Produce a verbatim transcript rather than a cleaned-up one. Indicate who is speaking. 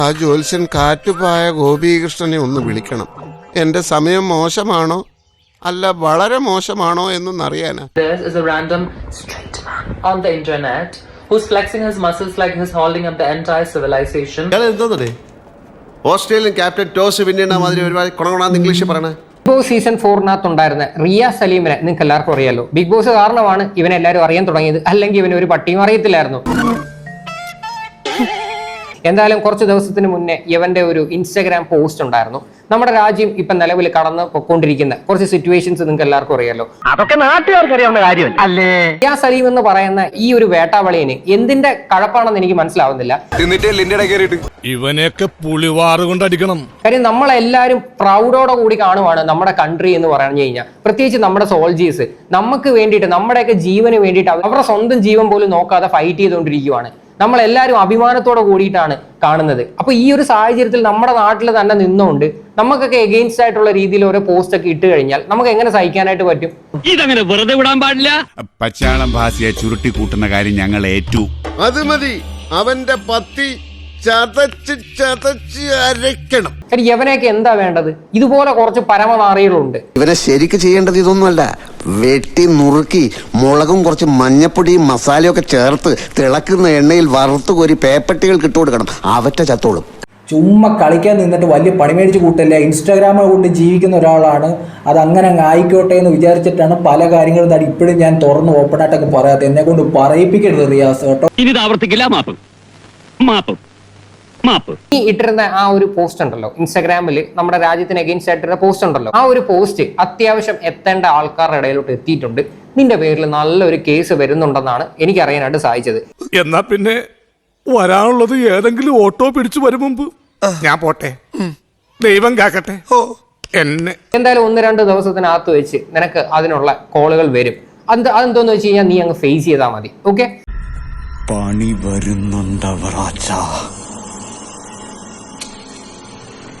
Speaker 1: ആ ജ്യോത്സ്യൻ കാറ്റുപായ ഗോപീകൃഷ്ണനെ ഒന്ന് വിളിക്കണം. എന്റെ സമയം മോശമാണോ അല്ല വളരെ മോശമാണോ എന്നൊന്നറിയാനാ.
Speaker 2: There is a random straight man on the internet who's flexing his muscles like he's holding up the entire civilization.
Speaker 3: Australian captain toss വിന്നിയുടെ മാതിരി ഒരുപാട് കൊണകൊണാന്ന് ഇംഗ്ലീഷിൽ പറയണേ.
Speaker 4: ബിഗ് ബോസ് സീസൺ ഫോറിനകത്ത് ഉണ്ടായിരുന്ന റിയ സലീമിനെ നിങ്ങൾക്ക് എല്ലാവർക്കും അറിയാലോ. ബിഗ് ബോസ് കാരണമാണ് ഇവനെല്ലാവരും അറിയാൻ തുടങ്ങിയത്, അല്ലെങ്കിൽ ഇവന് ഒരു പട്ടിയും അറിയത്തില്ലായിരുന്നു. എന്തായാലും കുറച്ച് ദിവസത്തിന് മുന്നേ ഇവന്റെ ഒരു ഇൻസ്റ്റാഗ്രാം പോസ്റ്റ് ഉണ്ടായിരുന്നു. നമ്മുടെ രാജ്യം ഇപ്പൊ നിലവിൽ കടന്ന് പൊക്കോണ്ടിരിക്കുന്ന കുറച്ച് സിറ്റുവേഷൻസ് നിങ്ങൾക്ക് എല്ലാവർക്കും അറിയാലോ.
Speaker 5: അതൊക്കെ നാട്ടുകാർക്ക് അറിയാവുന്ന കാര്യം അല്ലേ.
Speaker 4: റിയ സലീം എന്ന് പറയുന്ന ഈ ഒരു വേട്ടാവളിയന് എന്തിന്റെ കഴപ്പാണെന്ന് എനിക്ക് മനസ്സിലാവുന്നില്ല.
Speaker 6: ഇവനെയൊക്കെ പുളിവാറ് കൊണ്ടടിക്കണം.
Speaker 4: കാര്യം നമ്മളെല്ലാരും പ്രൗഡോടെ കൂടി കാണുവാണ് നമ്മുടെ കൺട്രി എന്ന് പറഞ്ഞു കഴിഞ്ഞാൽ, പ്രത്യേകിച്ച് നമ്മുടെ സോൾജേഴ്സ് നമുക്ക് വേണ്ടിയിട്ട് നമ്മുടെയൊക്കെ ജീവന് വേണ്ടിയിട്ട് അവരുടെ സ്വന്തം ജീവൻ പോലും നോക്കാതെ ഫൈറ്റ് ചെയ്തുകൊണ്ടിരിക്കുവാണ്. നമ്മളെല്ലാവരും അഭിമാനത്തോടെ കൂടിയിട്ടാണ് കാണുന്നത്. അപ്പൊ ഈ ഒരു സാഹചര്യത്തിൽ നമ്മുടെ നാട്ടിൽ തന്നെ നിന്നുകൊണ്ട് നമുക്കൊക്കെ എഗെയിൻസ്റ്റ് ആയിട്ടുള്ള രീതിയിൽ ഓരോ പോസ്റ്റ് ഒക്കെ ഇട്ട് കഴിഞ്ഞാൽ നമുക്ക് എങ്ങനെ സഹിക്കാനായിട്ട് പറ്റും?
Speaker 5: ഇതങ്ങനെ വെറുതെ വിടാൻ പാടില്ല.
Speaker 7: പച്ചാളം ഭാസിയെ ചുരുട്ടി കൂട്ടുന്ന കാര്യം ഞങ്ങൾ ഏറ്റു.
Speaker 1: അത് മതി, അവന്റെ പത്തി ചതച്ച് ചതച്ച് അരയ്ക്കണം.
Speaker 4: യവനെയൊക്കെ എന്താ വേണ്ടത്? ഇതുപോലെ കുറച്ച് പരമനാറികളുണ്ട്.
Speaker 3: ഇവനെ ശരിക്ക് ചെയ്യേണ്ടത് ഇതൊന്നുമല്ല, വെട്ടി നുറുക്കി മുളകും കുറച്ച് മഞ്ഞപ്പൊടിയും മസാലയൊക്കെ ചേർത്ത് തിളക്കുന്ന എണ്ണയിൽ വറുത്ത് കോരി പേപ്പട്ടികൾ ഇട്ട് കൊടുക്കണം. അവറ്റ ചത്തോളും.
Speaker 8: ചുമ്മാ കളിക്കാൻ നിന്നിട്ട് വലിയ പണി മേടിച്ച് കൂട്ടല്ല. ഇൻസ്റ്റാഗ്രാമ കൊണ്ട് ജീവിക്കുന്ന ഒരാളാണ്, അത് അങ്ങനെ അങ്ങ് ആയിക്കോട്ടെ എന്ന് വിചാരിച്ചിട്ടാണ് പല കാര്യങ്ങളും തടി ഇപ്പോഴും ഞാൻ തുറന്ന് ഓപ്പണായിട്ടൊക്കെ പറയാത്ത. എന്നെ കൊണ്ട് പറയിപ്പിക്കരുത് റിയാസ് കേട്ടോ.
Speaker 5: ഇനി ആവർത്തിക്കില്ല. മാപ്പ് മാപ്പ് മാപ്പ്.
Speaker 4: ഈ ഇട്ടിരുന്ന ആ ഒരു പോസ്റ്റ് ഉണ്ടല്ലോ ഇൻസ്റ്റാഗ്രാമിൽ, നമ്മുടെ രാജ്യത്തിന് അഗെയിൻസ്റ്റ് ആയിട്ടിരുന്ന പോസ്റ്റ് ഉണ്ടല്ലോ, ആ ഒരു പോസ്റ്റ് അത്യാവശ്യം എത്തേണ്ട ആൾക്കാരുടെ ഇടയിലോട്ട് എത്തിയിട്ടുണ്ട്. നിന്റെ പേരിൽ നല്ലൊരു കേസ് വരുന്നുണ്ടെന്നാണ് എനിക്ക് അറിയാനായിട്ട് സാധിച്ചത്.
Speaker 6: എന്നാ പിന്നെ വരാനുള്ളത് ഏതെങ്കിലും ഓട്ടോ പിടിച്ചു വരും മുമ്പ് ഞാൻ പോട്ടെ. ദൈവം കാക്കട്ടെ എന്നെ.
Speaker 4: എന്തായാലും ഒന്ന് രണ്ട് ദിവസത്തിനകത്ത് വെച്ച് നിനക്ക് അതിനുള്ള കോളുകൾ വരും. അത് അതെന്തോന്ന് വെച്ച് കഴിഞ്ഞാൽ നീ അങ്ങ് ഫേസ് ചെയ്താൽ മതി. ഓക്കെ,
Speaker 7: പണി വരുന്നുണ്ടവറാച്ച.